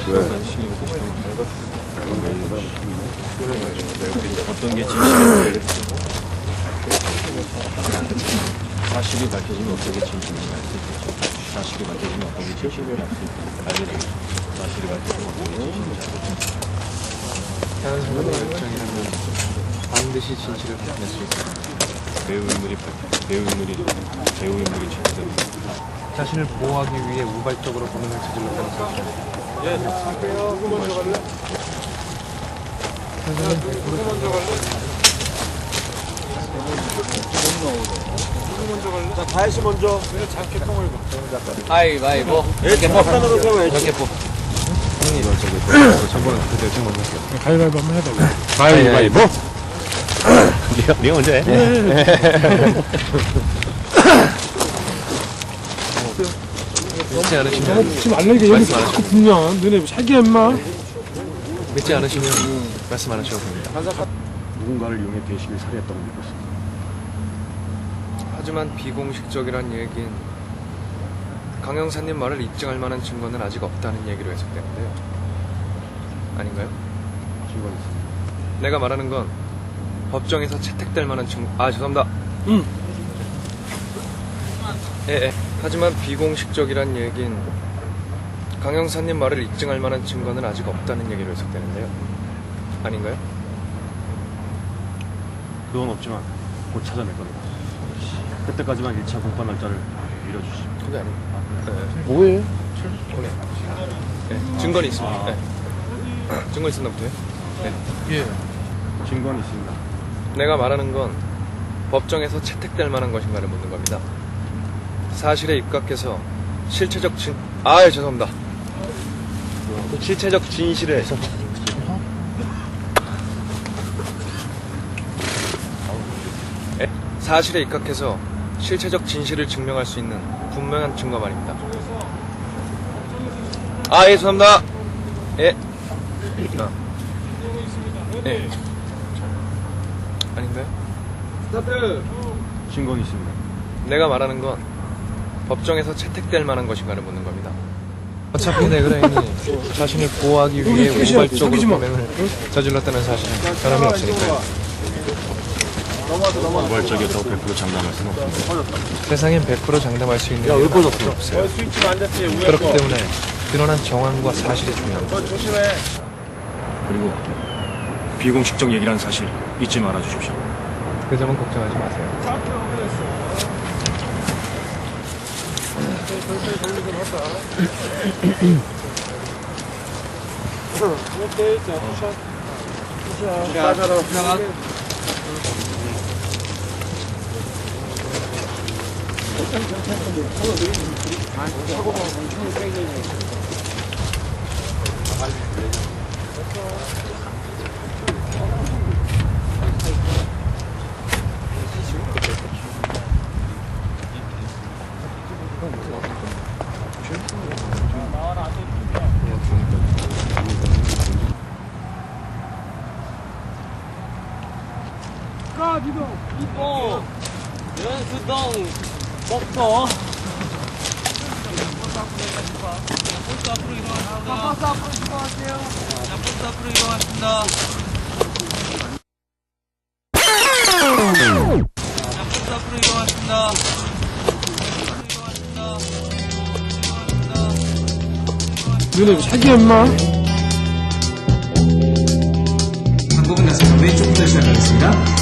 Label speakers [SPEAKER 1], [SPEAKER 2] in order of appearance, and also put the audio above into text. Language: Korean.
[SPEAKER 1] 어떤 게 진실인지 사실이 밝혀지면 어떤 게 진실인지 알 수 있겠죠. 사실이 밝혀지면 어떤 게 진실인지 알게 되겠죠. 사실이 밝혀지면 어떤 게 진실인지 알게 되겠죠.
[SPEAKER 2] 자연스러운 결정이라면 반드시 진실을 밝혀낼 수 있습니다.
[SPEAKER 1] 배우 인물이 진실됩니다.
[SPEAKER 2] 자신을 보호하기 위해 우발적으로 범행을 저질렀다는 사실.
[SPEAKER 3] 예, 갈게요. 누구 먼저 갈래? 누구 먼저 갈래? 자, 다혜씨 먼저. 왜 장깨통을
[SPEAKER 2] 가위바위보.
[SPEAKER 3] 예, 장판으로 세워야지.
[SPEAKER 2] 몇개포
[SPEAKER 4] 가위바위보 한번 해봐.
[SPEAKER 2] 가위바위보.
[SPEAKER 1] 네가 먼저 해.
[SPEAKER 2] 믿지 않으시면
[SPEAKER 4] 붙지 말라 이게 여기 자꾸 붙냐. 너네 사기야 임마.
[SPEAKER 2] 믿지 않으시면 말씀 안 하셔도 됩니다.
[SPEAKER 1] 누군가를 이용해 배식을 살해했다고 믿고 있습니다.
[SPEAKER 2] 하지만 비공식적이란 얘긴 강영사님 말을 입증할 만한 증거는 아직 없다는 얘기로 해석되는데요. 아닌가요?
[SPEAKER 1] 증거는 있습니다.
[SPEAKER 2] 내가 말하는 건 법정에서 채택될 만한 죄송합니다. 예. 하지만 비공식적이란 얘긴 강영사님 말을 입증할 만한 증거는 아직 없다는 얘기로 해석되는데요. 아닌가요?
[SPEAKER 1] 그건 없지만 곧 찾아낼 겁니다. 그때까지만 1차 공판 날짜를 미뤄주시오.
[SPEAKER 2] 그게 아닙니다.
[SPEAKER 4] 뭐해?
[SPEAKER 2] 네, 증거는 있습니다. 네. 증거 있었나 보세요? 네.
[SPEAKER 4] 예.
[SPEAKER 1] 증거는 있습니다.
[SPEAKER 2] 내가 말하는 건 법정에서 채택될 만한 것인가를 묻는 겁니다. 사실에 입각해서 실체적 죄송합니다. 실체적 진실을 사실에 입각해서 실체적 진실을 증명할 수 있는 분명한 증거 말입니다. 죄송합니다. 예. 예. 아닌가요?
[SPEAKER 1] 증거는 있습니다.
[SPEAKER 2] 내가 말하는 건 법정에서 채택될 만한 것인가를 묻는 겁니다. 어차피 네그레인이 자신을 보호하기 위해 우발적으로 범행을 저질렀다는 사실은 변함이 없으니까요.
[SPEAKER 1] 우발적이었다고 100% 장담할 수는 없습니다.
[SPEAKER 2] 세상엔 100% 장담할 수 있는 일은 아무것도 없어요.
[SPEAKER 3] 스위치 앉았지.
[SPEAKER 2] 그렇기 때문에 드러난 정황과 사실이 중요합니다.
[SPEAKER 3] 조심해.
[SPEAKER 1] 그리고 비공식적 얘기라는 사실 잊지 말아주십시오.
[SPEAKER 2] 그 점은 걱정하지 마세요.
[SPEAKER 3] 오케이, 자, 푸샷. 빠져라.
[SPEAKER 5] 이뻐 연수동 먹터 버스 앞으로 이동하십니다. 버스 앞으로 이동하세요. 자, 버스 앞으로 이동하십니다. 자, 버스 앞으로 이동하십니다.
[SPEAKER 4] 너네 사기야 임마.
[SPEAKER 6] 방법은 나서 왼쪽부터 시작하겠습니다.